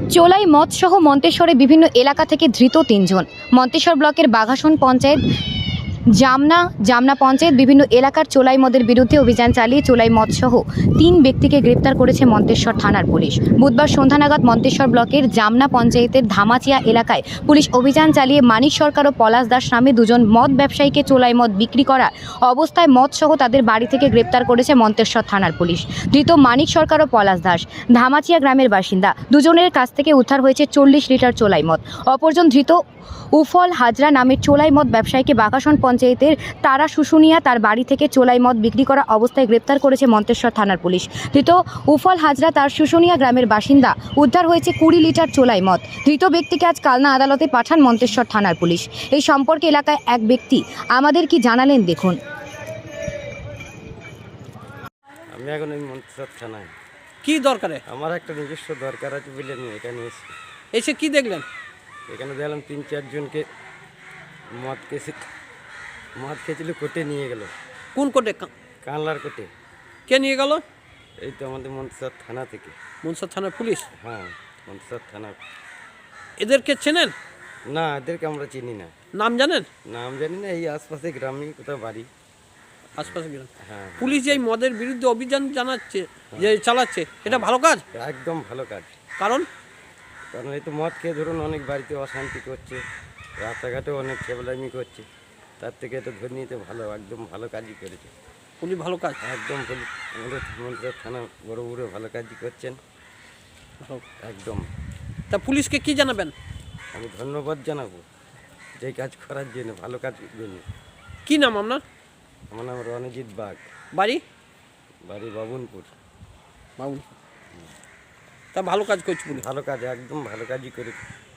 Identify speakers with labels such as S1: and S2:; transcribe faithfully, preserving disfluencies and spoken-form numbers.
S1: চোলাই মদসহ মন্তেশ্বরে বিভিন্ন এলাকা থেকে ধৃত তিনজন। মন্তেশ্বর ব্লকের বাঘাসন পঞ্চায়েত, জামনা জামনা পঞ্চায়েত বিভিন্ন এলাকার চোলাই মদের বিরুদ্ধে অভিযান চালিয়ে চোলাই মদসহ তিন ব্যক্তিকে গ্রেপ্তার করেছে মন্তেশ্বর থানার পুলিশ। বুধবার সন্ধ্যা নাগাদ মন্তেশ্বর ব্লকের জামনা পঞ্চায়েতের ধামাচিয়া এলাকায় পুলিশ অভিযান চালিয়ে মানিক সরকার ও পলাশ দাস নামে দুজন মদ ব্যবসায়ীকে চোলাই মদ বিক্রি করা অবস্থায় মদসহ তাদের বাড়ি থেকে গ্রেপ্তার করেছে মন্তেশ্বর থানার পুলিশ। ধৃত মানিক সরকার ও পলাশ দাস ধামাচিয়া গ্রামের বাসিন্দা। দুজনের কাছ থেকে উদ্ধার হয়েছে চল্লিশ লিটার চোলাই মদ। অপরজন ধৃত উফল হাজরা নামের চোলাই মদ ব্যবসায়ীকে বাঘাসন পঞ্চায়েতের তারা শুশুনিয়া তার বাড়ি থেকে চোলাই মদ বিক্রি করা অবস্থায় গ্রেপ্তার করেছে মন্তেশ্বর থানার পুলিশ। ধৃত উফল হাজরা তার শুশুনিয়া গ্রামের বাসিন্দা। উদ্ধার হয়েছে কুড়ি লিটার চোলাই মদ। ধৃত ব্যক্তিকে আজ কালনা আদালতে পাঠান মন্তেশ্বর থানার পুলিশ। এই সম্পর্কে এলাকায় এক ব্যক্তি আমাদের কি জানালেন দেখুন।
S2: আমি এখন এই মন্তেশ্বর থানায়।
S3: কি দরকারে?
S2: আমার একটা নিজস্ব দরকার আছে বলে আমি এখানে এসেছি।
S3: এসে কি দেখলেন?
S2: এখানে দেখলাম তিন চারজনকে মদ কেসে মদ খেয়েছিল, কোর্টে নিয়ে গেল।
S3: কোন কোর্টে?
S2: কানলার কোর্টে।
S3: কে নিয়ে গেল?
S2: এই তো আমাদের মন্তেশ্বর থানা থেকে।
S3: মনসর থানার পুলিশ?
S2: হ্যাঁ, মন্তেশ্বর থানা।
S3: এদেরকে চেনেন?
S2: না, এদেরকে আমরা চিনি না।
S3: নাম জানেন?
S2: নাম জানি না, এই আশপাশে গ্রামে কোথাও বাড়ি।
S3: আশপাশে গ্রাম।
S2: হ্যাঁ,
S3: পুলিশ যে এই মদের বিরুদ্ধে অভিযান জানাচ্ছে, যে চালাচ্ছে, এটা ভালো কাজ?
S2: একদম ভালো কাজ।
S3: কারণ
S2: কারণ এই তো মদ খেয়ে ধরুন অনেক বাড়িতে অশান্তি করছে, রাস্তাঘাটেও অনেক খেবলামি করছে। তার থেকে এটা ধরে নিতে ভালো, একদম ভালো কাজই করেছে
S3: পুলিশ। ভালো কাজ
S2: একদম। পুলিশ আমাদের মন্তেশ্বর থানা বড় বড় ভালো কাজই করছেন
S3: ভালো।
S2: একদম।
S3: তা পুলিশকে কি জানাবেন?
S2: আমি ধন্যবাদ জানাবো যে কাজ করার জন্য, ভালো কাজ জন্য।
S3: কি নাম আপনার?
S2: আমার নাম রণজিৎ বাগ,
S3: বাড়ি?
S2: বাড়ি বাবুনপুর।
S3: বাবু। তা ভালো কাজ করছে পুলিশ?
S2: ভালো কাজ, একদম ভালো কাজই করে।